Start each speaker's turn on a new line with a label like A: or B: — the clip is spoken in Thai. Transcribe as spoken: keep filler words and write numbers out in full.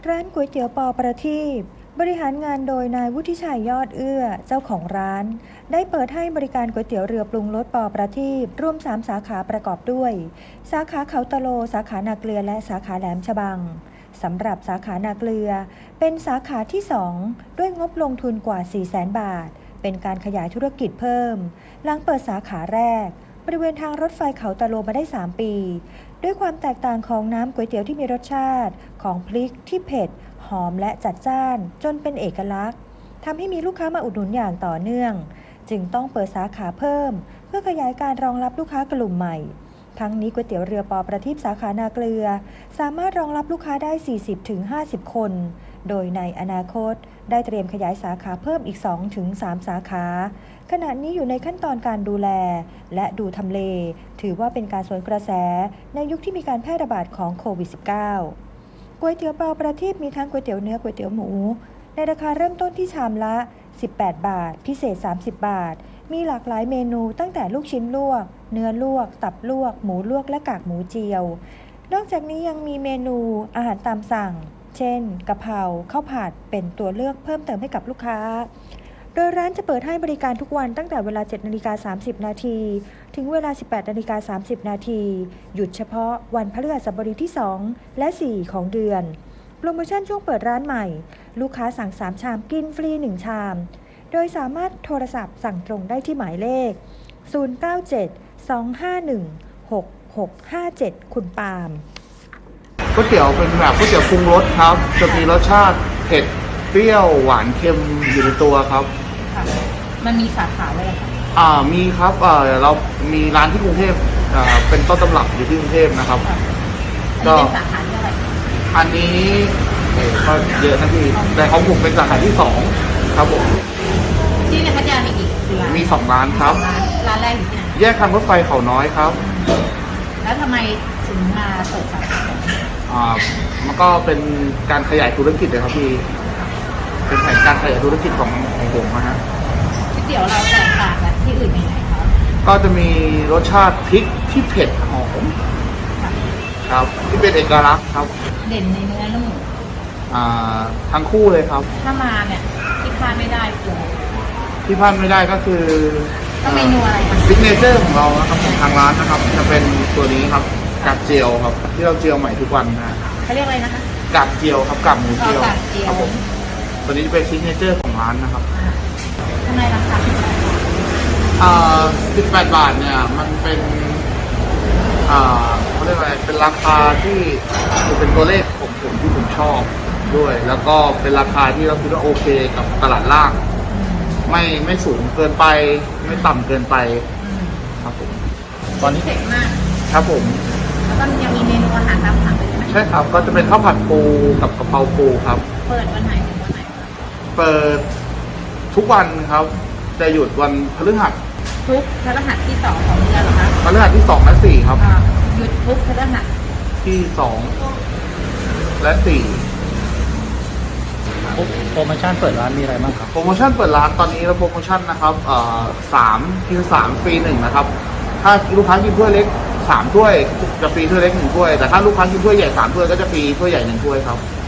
A: ร้านก๋วยเตี๋ยวปอประทีปบริหารงานโดยนายวุฒิชัยยอดเอื้อเจ้าของร้านได้เปิดให้บริการก๋วยเตี๋ยวเรือปรุงรสปอประทีปร่วมสามสาขาประกอบด้วยสาขาเขาตะโลสาขานาเกลือและสาขาแหลมฉบังสำหรับสาขานาเกลือเป็นสาขาที่สองด้วยงบลงทุนกว่า สี่แสน บาทเป็นการขยายธุรกิจเพิ่มหลังเปิดสาขาแรกบริเวณทางรถไฟเขาตะโลมาได้สามปีด้วยความแตกต่างของน้ำก๋วยเตี๋ยวที่มีรสชาติของพริกที่เผ็ดหอมและจัดจ้านจนเป็นเอกลักษณ์ทำให้มีลูกค้ามาอุดหนุนอย่างต่อเนื่องจึงต้องเปิดสาขาเพิ่มเพื่อขยายการรองรับลูกค้ากลุ่มใหม่ทั้งนี้ก๋วยเตี๋ยวเรือปอประทีปสาขานาเกลือสามารถรองรับลูกค้าได้ สี่สิบถึงห้าสิบ คนโดยในอนาคตได้เตรียมขยายสาขาเพิ่มอีก สองถึงสาม สาขาขณะนี้อยู่ในขั้นตอนการดูแลและดูทำเลถือว่าเป็นการสวนกระแสในยุคที่มีการแพร่ระบาดของโควิด สิบเก้า ก๋วยเตี๋ยวปอประทีปมีทั้งก๋วยเตี๋ยวเนื้อก๋วยเตี๋ยวหมูในราคาเริ่มต้นที่ชามละสิบแปดบาทพิเศษสามสิบบาทมีหลากหลายเมนูตั้งแต่ลูกชิ้นลวกเนื้อลวกตับลวกหมูลวกและกากหมูเจียวนอกจากนี้ยังมีเมนูอาหารตามสั่งเช่นกะเพราข้าวผัดเป็นตัวเลือกเพิ่มเติมให้กับลูกค้าโดยร้านจะเปิดให้บริการทุกวันตั้งแต่เวลา เจ็ดนาฬิกาสามสิบ นาทีถึงเวลา สิบแปดนาฬิกาสามสิบ นาทีหยุดเฉพาะวันพฤหัสบดีที่สองและสี่ของเดือนโปรโมชั่นช่วงเปิดร้านใหม่ลูกค้าสั่งสามชามกินฟรีหนึ่งชามโดยสามารถโทรศัพท์สั่งตรงได้ที่หมายเลขศูนย์ เก้า เจ็ด สอง ห้า หนึ่ง หก หก ห้า เจ็ดคุณปาล์ม
B: ก๋วยเตี๋ยวเป็นแบบก๋วยเตี๋ยวปรุงรสครับจะมีรสชาติเผ็ดเปรี้ยวหวานเค็มอยู่ในตัวครับ
C: ค่ะมันมีสาขาเลยค่ะ
B: อ่ามีครับเอ่อเรามีร้านที่กรุงเทพอ่าเป็นต้นตำรับอยู่ที่กรุงเทพนะครับ
C: ก็เป็นสาขาที่อะไร
B: อันนี้เอ๋ก็เยอะนะพี่แต่ของผมเป็นสาขาที่สองครับผม
C: ที่ในพัทยามีกี่ร้าน
B: มีสองร้านครับ
C: ร้านแรกอยู่ที่ไหน
B: แยกทางรถไฟเขาน้อยครับ
C: แล้วทำไมถึงมาเปิดสาขา
B: อ่ามันก็เป็นการขยายธุรกิจเลยครับพี่เป็นแผนการขยายธุรกิจของของผมนะฮะ
C: ก๋วยเตี๋ยวเราแตกต่างจากที่อื่นยังไงครับ
B: ก็จะมีรสชาติพริกที่เผ็ดหอมครับที่เป็นเอกลักษณ์ครับ
C: เด่นในเนื้อนุ่ม
B: อ่าทั้งคู่เลยครับ
C: ถ้ามาเนี่ยที่พลาดไม่ได้คือ
B: ที่พลาดไม่ได้ก็คือ
C: ก็เมนูอะไรคะ
B: ซิกเนเจอร์ของเรานะครับของทางร้านนะครับจะเป็นตัวนี้ครับกากเจียวครับที่เราเจียวใหม่ทุกวันนะ
C: เขาเรียกอะไรนะคะ
B: กากเจียวครับกากหมูเจียว
C: ครับ
B: ผมตัวนี้จะเป็นซิกเนเจอร์ของร้านนะครับ
C: ทำไมราคา
B: อ่าสิบแปดบาทเนี่ยมันเป็นอ่าเขาเรียกอะไรเป็นราคาที่เป็นตัวเลขของผมที่ผมชอบด้วยแล้วก็เป็นราคาที่เราคิดว่าโอเคกับตลาดล่างไม่ไม่สูงเกินไปไม่ต่ำเกินไปครับผม
C: ตอนนี้เจ๋งมาก
B: ครับผม
C: แล้วก็ยังมีเมนูอาหารตามสั่งเลยไหม
B: ใช่ครับก็จะเป็นข้าวผัดปูกับกะเพราปูครับ
C: เปิดวันไหนถึงวันไหน
B: เปิดทุกวันครับจะหยุดวันพฤหัส
C: ทุกพฤหัสที่สองของเดือนเหรอคะ
B: พฤหัสที่สองและสี่ครับ
C: หยุดทุกพฤหัส
B: ที่สองและสี่
D: โปรโมชั่นเปิดร้านมีอะไรบ้างครับ
B: โปรโมชั่นเปิดร้านตอนนี้เราโปรโมชั่นนะครับเอ่อสามกินสามฟรีหนึ่งนะครับถ้าลูกค้ากินถ้วยเล็กสามถ้วยจะฟรีถ้วยเล็กหนึ่งถ้วยแต่ถ้าลูกค้ากินถ้วยใหญ่สามถ้วยก็จะฟรีถ้วยใหญ่หนึ่งถ้วยครับ